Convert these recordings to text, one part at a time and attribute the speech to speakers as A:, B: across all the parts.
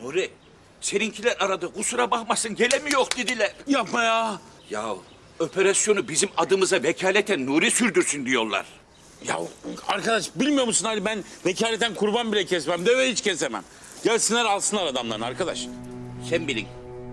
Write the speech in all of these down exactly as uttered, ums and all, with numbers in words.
A: Nuri, seninkiler aradı. Kusura bakmasın, gelemiyor dediler.
B: Yapma ya.
A: Ya operasyonu bizim adımıza vekaleten Nuri sürdürsün diyorlar.
B: Ya arkadaş bilmiyor musun Ali, ben vekaleten kurban bile kesmem, deve hiç kesemem. Gelsinler alsınlar adamlarını arkadaş.
A: Sen bilin.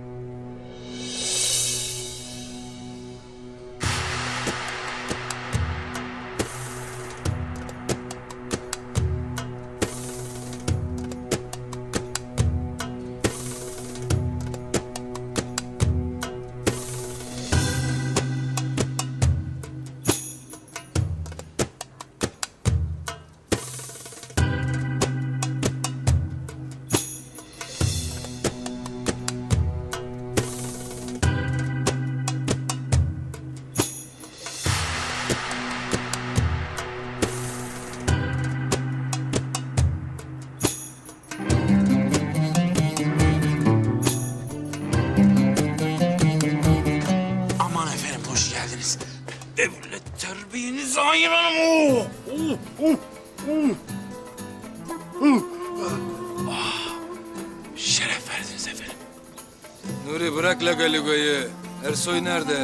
B: Aman efendim hoş geldiniz. Devlet terbiyenizi ayıralım. Oh, oh, oh, oh. Oh. Ah, şeref verdiniz efendim.
C: Nuri bırak Lagaliga'yı. Ersoy nerede?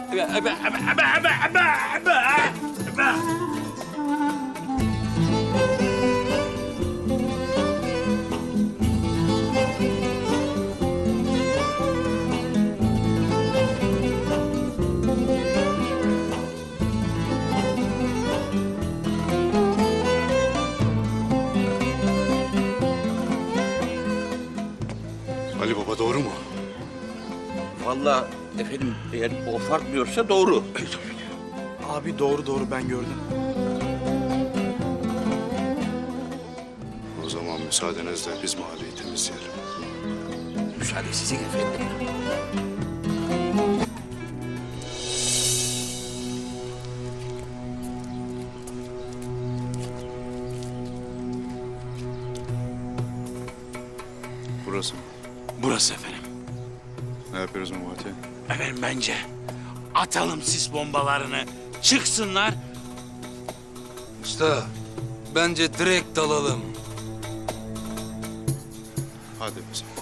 D: Ali Baba doğru mu?
A: Vallahi efendim eğer o farkmıyorsa doğru.
E: Abi doğru doğru ben gördüm.
D: O zaman müsaadenizle biz mahalleyi temizleyelim.
A: Müsaade sizin efendim.
D: Burası.
B: Burası efendim.
D: Ne yapıyoruz Memati?
B: Efendim bence atalım sis bombalarını, çıksınlar.
C: Usta, bence direkt dalalım.
D: Hadi o zaman.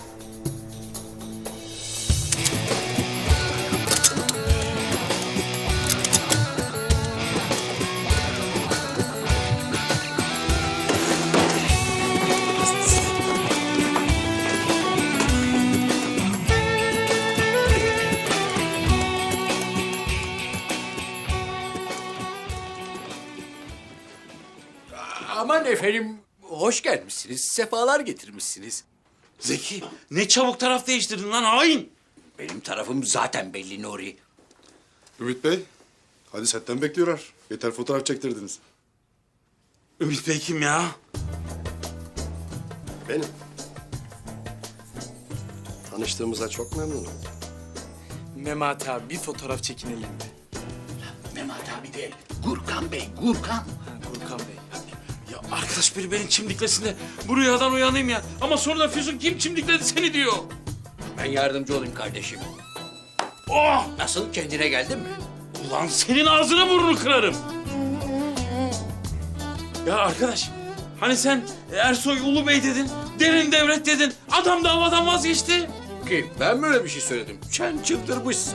F: Aman efendim, hoş gelmişsiniz, sefalar getirmişsiniz.
B: Zeki, ne çabuk taraf değiştirdin lan hain.
F: Benim tarafım zaten belli Nuri.
D: Ümit Bey, hadi setten bekliyorlar. Yeter fotoğraf çektirdiniz.
B: Ümit Bey kim ya?
G: Benim. Tanıştığımıza çok memnunum.
E: Memati abi bir fotoğraf çekinelim mi?
F: Mehmet abi değil, Gurkan Bey, Gurkan.
E: Ha, Gurkan Bey.
B: Ya arkadaş biri beni çimdiklesin de bu rüyadan uyanayım ya. Ama sonra da Füsun kim çimdikledi seni diyor.
F: Ben yardımcı olayım kardeşim.
B: Oh!
F: Nasıl, kendine geldin mi?
B: Ulan senin ağzına burnunu kırarım. Ya arkadaş, hani sen Ersoy Ulu Bey dedin, derin devlet dedin. Adam davadan vazgeçti.
F: Ki ben mi öyle bir şey söyledim? Sen çıldırmışsın.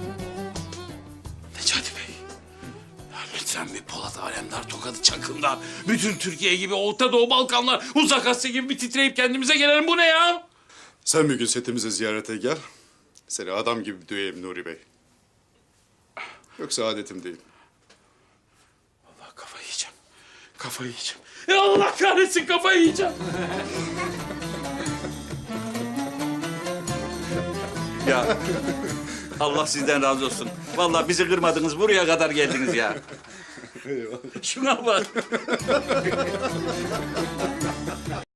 B: Necati Bey, ya lütfen bir Polat Alemdar tokadı çakın da bütün Türkiye gibi Orta Doğu, Balkanlar, Uzak Asya gibi bir titreyip kendimize gelelim. Bu ne ya?
D: Sen bir gün setimize ziyarete gel. Seni adam gibi döveyim Nuri Bey. Yoksa adetim değil.
B: Allah kafayı yiyeceğim. Kafayı yiyeceğim. Ya Allah kahretsin kafayı yiyeceğim.
A: Ya Allah sizden razı olsun. Vallahi bizi kırmadınız, buraya kadar geldiniz ya. Şuna bak.